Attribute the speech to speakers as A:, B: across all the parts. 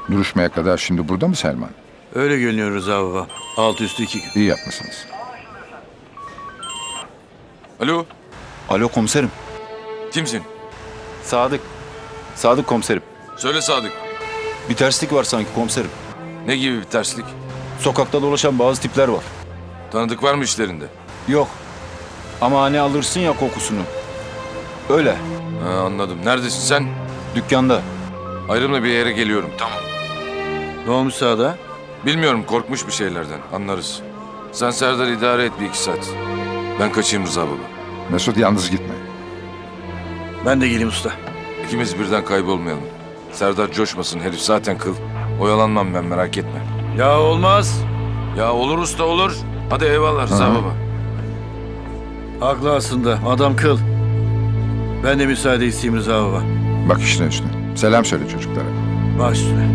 A: Duruşmaya kadar şimdi burada mı Selman?
B: Öyle görünüyor Rıza baba. Altı üstü 2 gün.
A: İyi yapmışsınız.
C: Alo,
D: Alo komiserim.
C: kimsin?
D: Sadık. Sadık komiserim.
C: Söyle Sadık.
D: Bir terslik var sanki komiserim.
C: Ne gibi bir terslik?
D: Sokakta dolaşan bazı tipler var.
C: Tanıdık var mı işlerinde?
D: Yok. Ama hani alırsın ya kokusunu. Öyle.
C: Ha, anladım. Neredesin sen?
D: Dükkanda.
C: Ayrımla bir yere geliyorum. Tamam.
B: Ne olmuş sağda?
C: Bilmiyorum, korkmuş bir şeylerden. Anlarız. Sen Serdar idare et 1-2 saat. Ben kaçayım Rıza baba.
A: Mesut yalnız gitme.
B: Ben de geleyim usta.
C: İkimiz birden kaybolmayalım. Serdar coşmasın, herif zaten kıl. Oyalanmam ben, merak etme.
B: Ya olmaz.
C: Ya olur usta, olur. Hadi eyvallah Rıza
A: Hı.
C: baba.
B: Haklı aslında. Adam kıl. Ben de müsaade isteyeyim Rıza baba.
A: Bak işine üstüne. Selam söyle çocuklara.
B: Baş üstüne.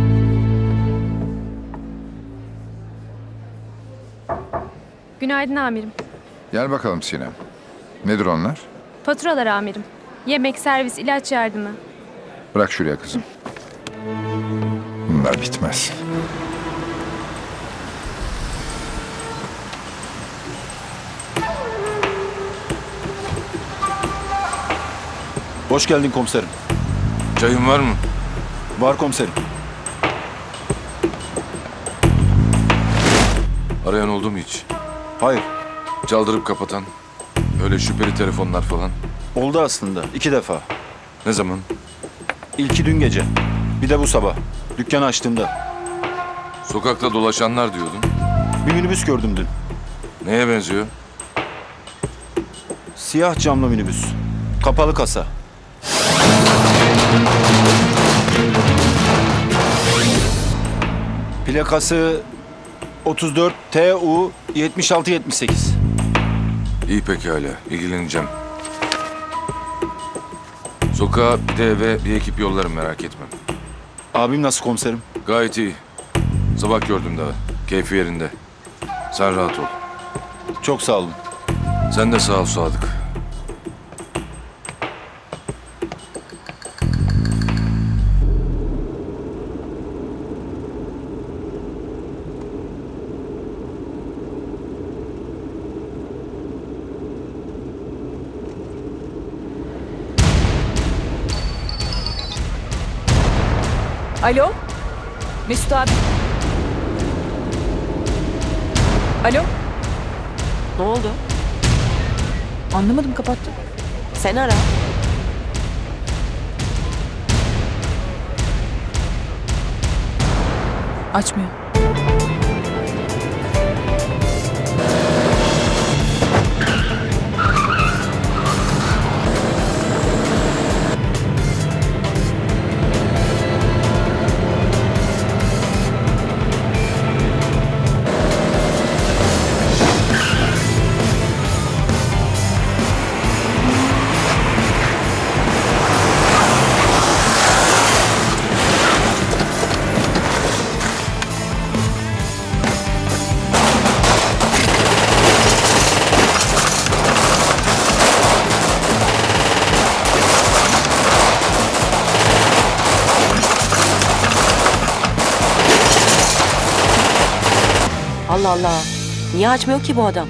E: Günaydın amirim.
A: Gel bakalım Sinem. Nedir onlar?
E: Faturalar amirim. Yemek, servis, ilaç yardımı.
A: Bırak şuraya kızım. Bunlar bitmez.
D: Hoş geldin komiserim.
C: Çayın var mı?
D: Var komiserim.
C: Arayan oldu mu hiç?
D: Hayır.
C: Çaldırıp kapatan. Öyle şüpheli telefonlar falan.
D: Oldu aslında. 2 defa.
C: Ne zaman?
D: İlki dün gece. Bir de bu sabah. Dükkanı açtığımda.
C: Sokakta dolaşanlar diyordun.
D: Bir minibüs gördüm dün.
C: Neye benziyor?
D: Siyah camlı minibüs. Kapalı kasa. Plakası 34 TU 7678.
C: İyi pekala, ilgileneceğim. Sokağa bir de eve bir ekip yollarım, merak etme.
D: Abim nasıl komiserim?
C: Gayet iyi. Sabah gördüm daha. Keyfi yerinde. Sen rahat ol.
D: Çok sağ olun.
C: Sen de sağ ol Sadık.
F: Alo? Mesut abi. Alo?
G: Ne oldu?
F: Anlamadım, kapattım.
G: Sen ara.
F: Açmıyor.
G: Allah Allah. Niye açmıyor ki bu adam?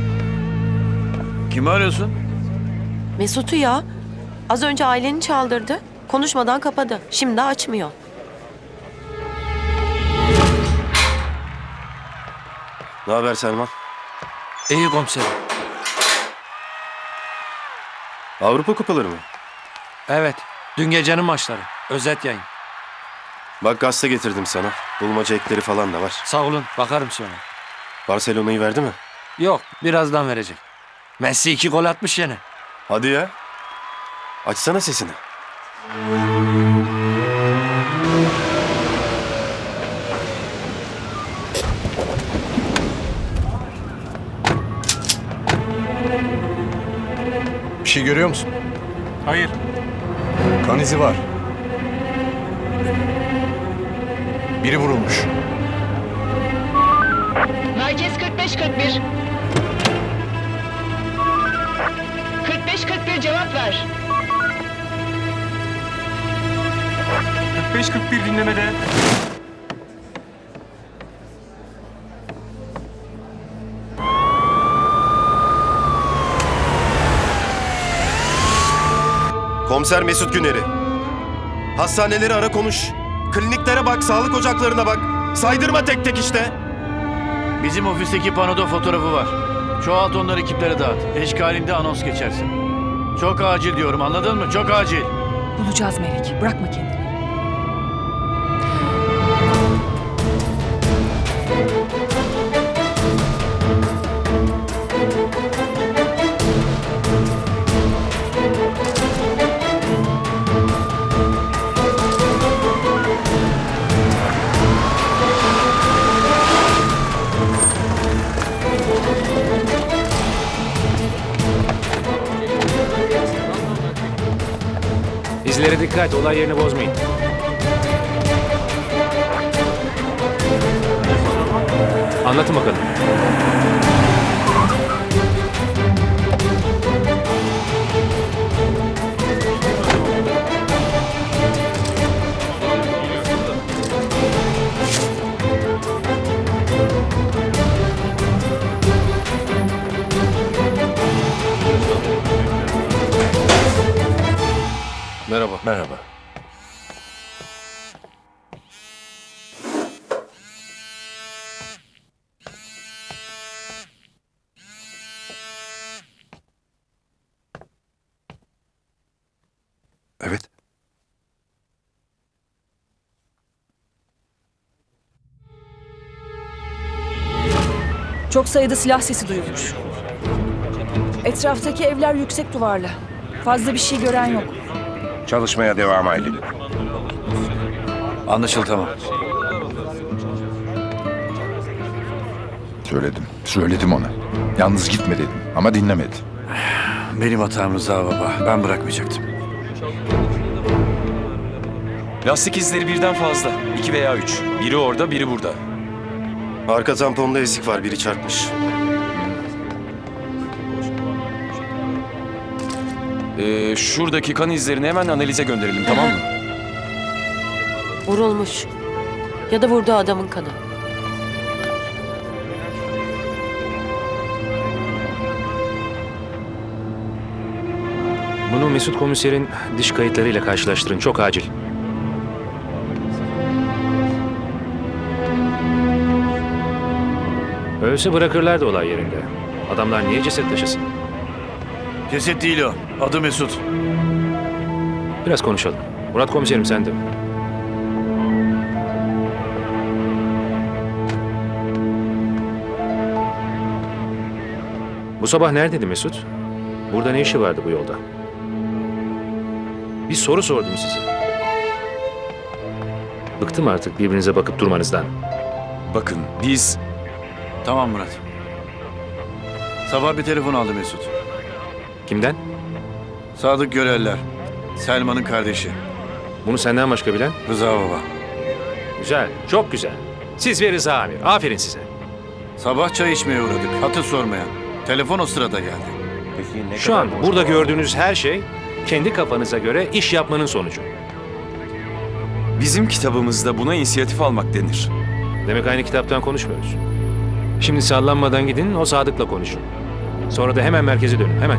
B: Kimi arıyorsun?
G: Mesut'u ya. Az önce aileni çaldırdı. Konuşmadan kapadı. Şimdi açmıyor.
H: Ne haber Selman?
I: İyi komiserim.
H: Avrupa kupaları mı?
I: Evet. Dün gecenin maçları. Özet yayın.
H: Bak gazete getirdim sana. Bulmaca ekleri falan da var.
I: Sağ olun. Bakarım sonra.
H: Barcelona'yı verdi mi?
I: Yok. Birazdan verecek. Messi 2 gol atmış yine.
H: Hadi ya. Açsana sesini.
J: Bir şey görüyor musun?
I: Hayır.
J: Kan izi var. Biri vurulmuş.
K: Merkez 45-41. 45-41 cevap ver.
I: 45-41 dinlemede.
H: Komiser Mesut Güner'i. Hastaneleri ara konuş. Kliniklere bak, sağlık ocaklarına bak. Saydırma tek tek işte.
B: Bizim ofisteki panoda fotoğrafı var. Çoğalt onları ekiplere dağıt. Eşkalinde anons geçersin. Çok acil diyorum, anladın mı? Çok acil.
F: Bulacağız Melek. Bırakma kendini.
I: İzlere dikkat, olay yerini bozmayın. Anlatın bakalım.
C: Merhaba. Merhaba.
A: Evet.
F: Çok sayıda silah sesi duyulmuş. Etraftaki evler yüksek duvarlı. Fazla bir şey gören yok.
J: Çalışmaya devam Aylin.
B: Anlaşıldı, tamam.
A: Söyledim ona. Yalnız gitme dedim ama dinlemedi.
B: Benim hatam Rıza baba. Ben bırakmayacaktım.
C: Lastik izleri birden fazla. 2 veya 3. Biri orada, biri burada.
H: Arka tamponda ezik var, biri çarpmış.
C: Şuradaki kan izlerini hemen analize gönderelim, tamam mı?
G: Vurulmuş. Ya da vurduğu adamın kanı.
I: Bunu Mesut komiserin diş kayıtlarıyla karşılaştırın. Çok acil. Ölse bırakırlardı olay yerinde. Adamlar niye ceset taşısın?
B: Ceset değil o. Adı Mesut.
I: Biraz konuşalım. Murat komiserim sen de. Bu sabah neredeydi Mesut? Burada ne işi vardı bu yolda? Bir soru sordum size. Bıktım artık birbirinize bakıp durmanızdan.
C: Bakın, biz...
B: Tamam Murat. Sabah bir telefon aldı Mesut.
I: Kimden?
B: Sadık Göreller. Selman'ın kardeşi.
I: Bunu senden başka bilen?
B: Rıza baba.
I: Güzel, çok güzel. Siz ve Rıza Amir. Aferin size.
B: Sabah çay içmeye uğradık. Hatır sormaya. Telefon o sırada geldi.
I: Şu an burada gördüğünüz her şey kendi kafanıza göre iş yapmanın sonucu.
C: Bizim kitabımızda buna inisiyatif almak denir.
I: Demek aynı kitaptan konuşmuyoruz. Şimdi sallanmadan gidin, o Sadık'la konuşun. Sonra da hemen merkeze dönün, hemen.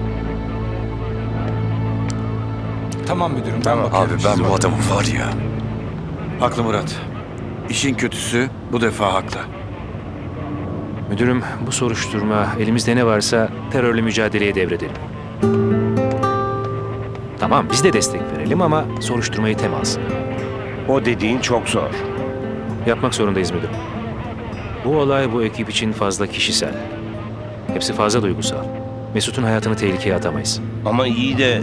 J: Tamam müdürüm, ben bakıyorum.
C: Abi ben bu adamın var ya...
B: Haklı Murat. İşin kötüsü bu defa haklı.
I: Müdürüm, bu soruşturma elimizde ne varsa terörle mücadeleye devredelim. Tamam, biz de destek verelim ama soruşturmayı tem alsın.
J: O dediğin çok zor.
I: Yapmak zorundayız müdürüm. Bu olay bu ekip için fazla kişisel. Hepsi fazla duygusal. Mesut'un hayatını tehlikeye atamayız.
J: Ama iyi de...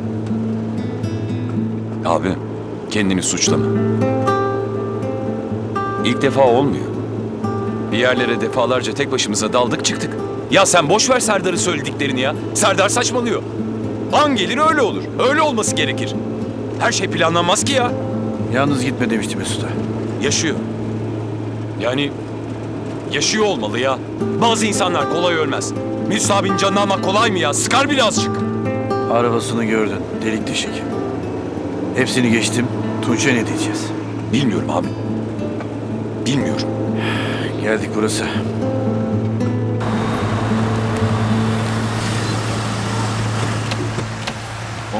C: Abi, kendini suçlama. İlk defa olmuyor. Bir yerlere defalarca tek başımıza daldık çıktık. Ya sen boş ver Serdar'ın söylediklerini ya. Serdar saçmalıyor. An gelir öyle olur. Öyle olması gerekir. Her şey planlanmaz ki ya.
B: Yalnız gitme demişti Mesut'a.
C: Yaşıyor. Yani yaşıyor olmalı ya. Bazı insanlar kolay ölmez. Mesut abinin canını almak kolay mı ya? Sıkar birazcık.
B: Arabasını gördün. Delik deşik. Hepsini geçtim. Tunç'a ne diyeceğiz?
C: Bilmiyorum abi. Bilmiyorum.
B: Geldik burası.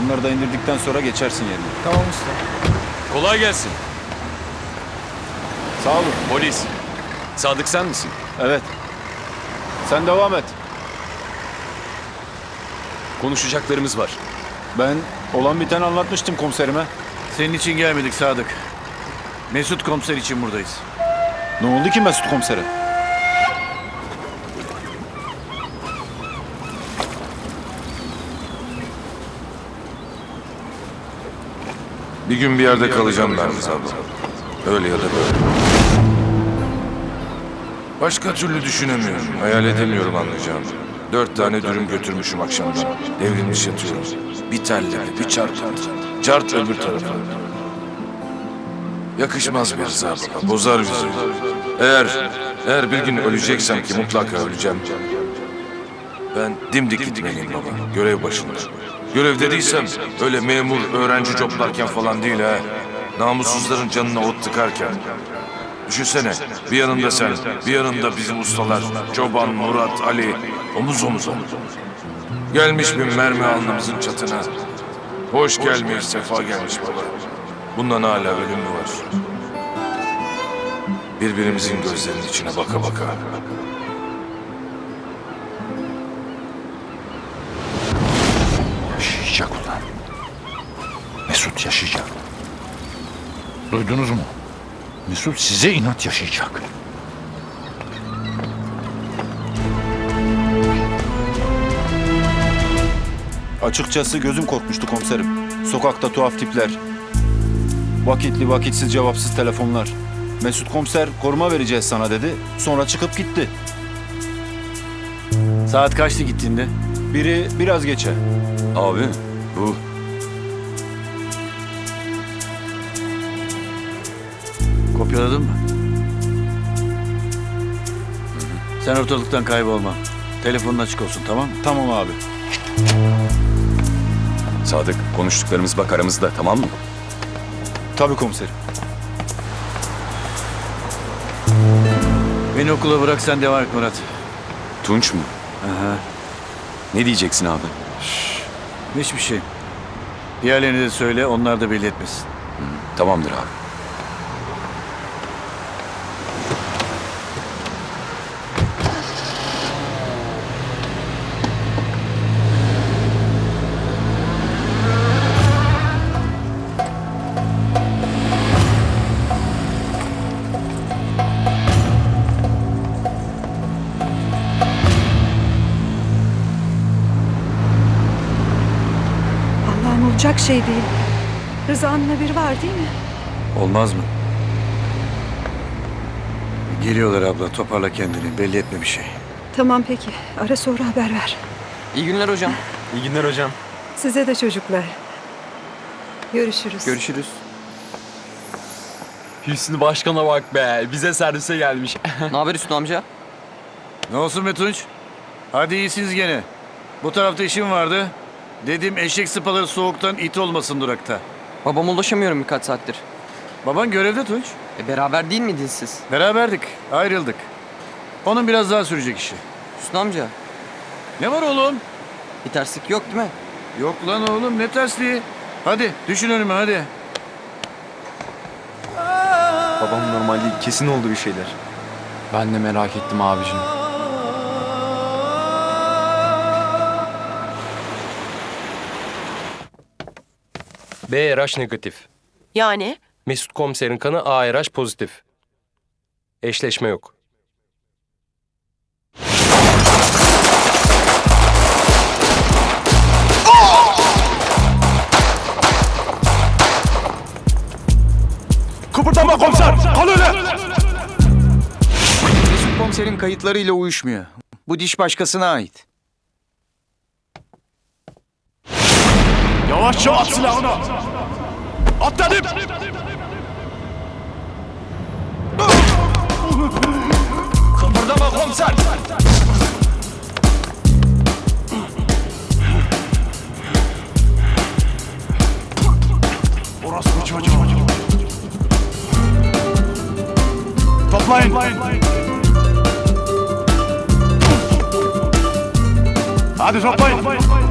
D: Onları da indirdikten sonra geçersin yerine.
A: Tamam usta.
C: Kolay gelsin.
D: Sağ olun.
C: Polis. Sadık sen misin?
D: Evet. Sen devam et.
C: Konuşacaklarımız var.
D: Ben olan biteni anlatmıştım komiserime.
B: Senin için gelmedik Sadık. Mesut komiser için buradayız.
D: Ne oldu ki Mesut komisere?
A: Bir gün bir yerde kalacağım ben Rıza abla. Öyle ya da böyle. Başka türlü düşünemiyorum. Hayal edemiyorum anlayacağım. 4 tane dürüm götürmüşüm akşamdan. Devrilmiş yatıyorum. Bir terledi, bir çarpıldı. Cart öbür tarafa. Yakışmaz bir Rıza abla. Bozar bizi. Eğer bir gün öleceksem ki mutlaka öleceğim. Ben dimdik gitmeliyim baba. Görev başında. Görevde değilsem öyle memur, öğrenci coplarken falan değil ha. Namussuzların canına ot tıkarken. Düşünsene, bir yanında sen, bir yanında bizim ustalar. Çoban, Murat, Ali, omuz omuza. Gelmiş bir mermi alnımızın çatına. Hoş gelmiş, sefa gelmiş baba. Bundan hala ölüm mü var? Birbirimizin gözlerinin içine baka baka.
L: Yaşayacak ulan. Mesut yaşayacak. Duydunuz mu? Mesut size inat yaşayacak.
D: Açıkçası gözüm korkmuştu komiserim. Sokakta tuhaf tipler. Vakitli vakitsiz cevapsız telefonlar. Mesut komiser koruma vereceğiz sana dedi. Sonra çıkıp gitti.
B: Saat kaçtı gittiğinde?
D: Biri biraz geçe.
C: Abi bu
B: Kopyaladın mı? Sen ortalıktan kaybolma. Telefonun açık olsun, tamam mı?
D: Tamam abi.
C: Sadık konuştuklarımız bak aramızda, tamam mı?
D: Tabii komiserim.
B: Beni okula bırak, sen devam et Murat.
C: Tunç mu?
B: Aha.
C: Ne diyeceksin abi?
B: Hiçbir şey. Diğerlerine de söyle, onlar da belli etmesin.
C: Tamamdır abi.
F: Allah'ım olacak şey değil. Rıza'nın haberi var değil mi?
B: Olmaz mı? Geliyorlar abla, toparla kendini, belli etme bir şey.
F: Tamam peki. Ara sonra haber ver.
M: İyi günler hocam.
H: İyi günler hocam.
F: Size de çocuklar. Görüşürüz.
M: Görüşürüz.
H: Hüsnü Başkan'a bak be. Bize servise gelmiş.
M: Ne haber Hüsnü amca?
B: Ne olsun be Tunç? Hadi iyisiniz gene. Bu tarafta işim vardı. Dedim eşek sıpaları soğuktan it olmasın durakta.
M: Babama ulaşamıyorum birkaç saattir.
B: Baban görevde Tunç.
M: Beraber değil miydiniz siz?
B: Beraberdik, ayrıldık. Onun biraz daha sürecek işi.
M: Hüsnü amca,
B: Ne var oğlum?
M: bir terslik yok değil mi?
B: Yok lan oğlum, ne tersliği? Hadi düşün önüme hadi.
H: Babam normal değil. Kesin oldu bir şeyler. Ben de merak ettim abicim.
J: B RH negatif.
G: Yani?
J: Mesut komiserin kanı ARH pozitif. Eşleşme yok.
L: Kıpırdama komiser! Kal öyle!
D: Mesut komiserin kayıtlarıyla uyuşmuyor. Bu diş başkasına ait.
L: Yavaşça at silahını! At dedim! Kıpırdama komiser! Orası bir çocuk. Toplayın! Hadi toplayın!